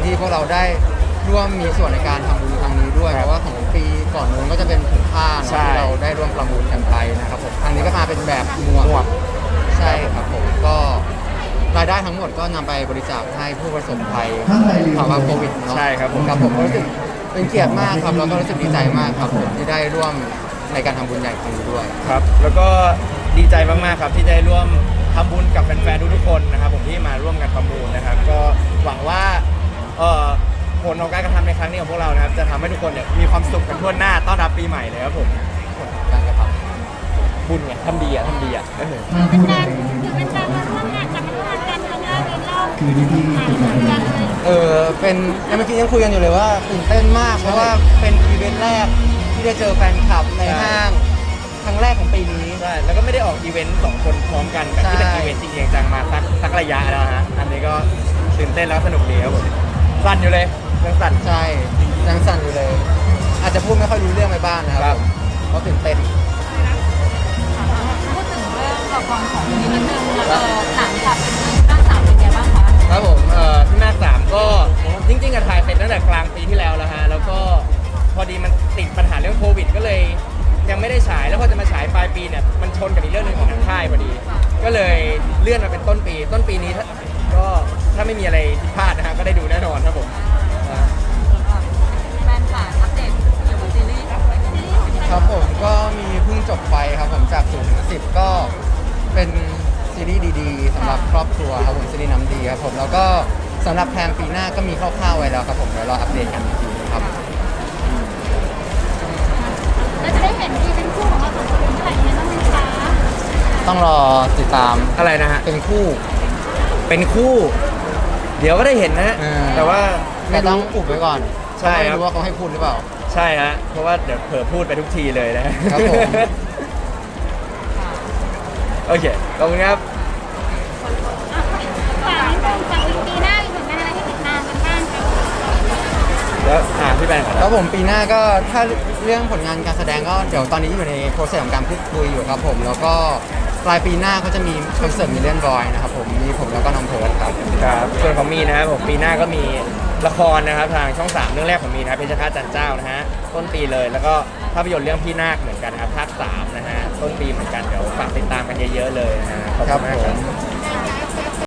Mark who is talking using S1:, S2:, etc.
S1: ที่พวกเราได้ร่วมมีส่วนในการทำบุญครั้งนี้ด้วยเพราะว่าของปีก่อนนู้นก็จะเป็นถุงผ้าที่เราได้ร่วมประมูลกันไปนะครับผมครั้งนี้ก็มาเป็นแบบหมวกใช่ครับผมก็รายได้ทั้งหมดก็นำไปบริจาคให้ผู้ประสบภัยภาวะโควิดเนาะ
S2: ใช่ครับผม
S1: ครับผมก็รู้สึกเป็นเกียรติมากครับแล้วก็รู้สึกดีใจมากครับผมที่ได้ร่วมในการทำบุญใหญ่ครั้งนี้ด้วย
S2: ครับแล้วก็ดีใจมากๆครับที่ได้ร่วมทำบุญกับแฟนๆทุกๆคนนะครับผมที่มาร่วมกันประมูลนะครับก็หวังว่าผลของการกระทำในครั้งนี้ของพวกเรานะครับจะทำให้ทุกคนเนี่ยมีความสุขกันทั่วหน้าต้อนรับปีใหม่เลยครับผม
S1: การกระท
S2: บุญไงทำดีอ่ะ
S3: เป็นการคือเป็นการมาร่วมงานกันมาร่วมงานกันครั้งแรกในรอบหลายเดือนเลย
S1: ำเป็นเมื่อกี้ยังคุยกันอยู่เลยว่าตื่นเต้นมากเพราะว่าเป็นอีเวนต์แรกที่ได้เจอแฟนคลับในห้างครั้งแรกของปีนี้
S2: ใช่แล้วก็ไม่ได้ออกอีเวนต์2คนพร้อมกันแบบที่เป็นอีเวนต์จริงๆจังมาสักระยะแล้วฮะอันนี้ก็ตื่นเต้นแล้วสนุกดีครับผมสั่นอยู่เลยยังสั่น
S1: ใช่ยังสั่นอยู่เลย อาจจะพูดไม่ค่อยรู้เรื่องไปบ้างนะค
S2: ครั
S1: รับบ เพราะตื่นเต้น
S3: พูดถึงเรื่องละครของนี้นิดนึงหนังกับร่างสามเป็นไงบ้างคะ
S2: ครับผมพี่นาค3ก็จริงๆอะถ่ายเสร็จตั้งแต่กลางปีที่แล้วแล้วฮะแล้วก็พอดีมันติดปัญหาเรื่องโควิดก็เลยยังไม่ได้ฉายแล้วพอจะมาฉายปลายปีเนี่ยมันชนกับอีกเรื่องหนึ่งของทางค่ายพอดี ก็เลยเลื่อนมาเป็นต้นปีนี้ก็ถ้าไม่มีอะไรผิดพลาดนะฮะก็ได้ดูแน่นอนครับผม
S3: แฟนค่ะอัปเดตเกี่ยวกับซีรีส์ครับ
S1: ครับผมก็มีเพิ่งจบไปครับผมจาก0ถึง10ก็เป็นซีรีส์ดีๆสำหรับครอบครัวครับผมซีรีส์น้ำดีครับผมแล้วก็สำหรับแพลนปีหน้าก็มีคร่าวๆไว้แล้วครับผมเดี๋ยวรออัปเดตกันอีกทีครับ
S3: เราจะได้เห็นที่เป็นคู่ของเราสองคนเมื่อไหร่ยังไงบ้างไหมคะ
S1: ต้องรอติดตาม
S2: อะไรนะฮะ
S1: เป็นคู่
S2: เป็นคู่ เดี๋ยวก็ได้เห็นนะฮะ
S1: เออ
S2: แต่ว่า
S1: แต่ต้องอุบไว้ก่อน
S2: ใช่ครับ
S1: ไม่รู้ว่าเขาให้พูดหรือเปล่า
S2: ใช่ฮะเพราะว่าเดี๋ยวเผลอพูดไปทุกทีเลยนะครับ
S1: ผม
S2: โอเคขอบคุณครับ
S3: ฝากนิดนึงฝากปีหน้ามีผลงานอะไรให้ติดตามกันบ้างคะ
S2: แล้วพี่แบงค์ก่อน
S1: แล้
S2: นะ
S1: วผมปีหน้าก็ถ้าเรื่องผลงานการแสดงก็เดี๋ยวตอนนี้อยู่ในโปรเซสของการพูดคุยอยู่ครับผมแล้วก็ปลายปีหน้าก็จะมีคอนเสิร์ตมิลเลียนบอยนะครับผมมีผมแล้วก็น้องเพิร์ดครับ
S2: ครับส่วนของมีนะครับผมปีหน้าก็มีละครนะครับทางช่อง 3 เรื่องแรกของมีนะครับเพชรฆาตจันเจ้านะฮะต้นปีเลยแล้วก็ภาพยนตร์เรื่องพี่นาคเหมือนกันนะครับภาค 3นะฮะต้นปีเหมือนกันเดี๋ยวฝากติดตามกันเยอะๆเลยนะฮะขอบคุณมากครับ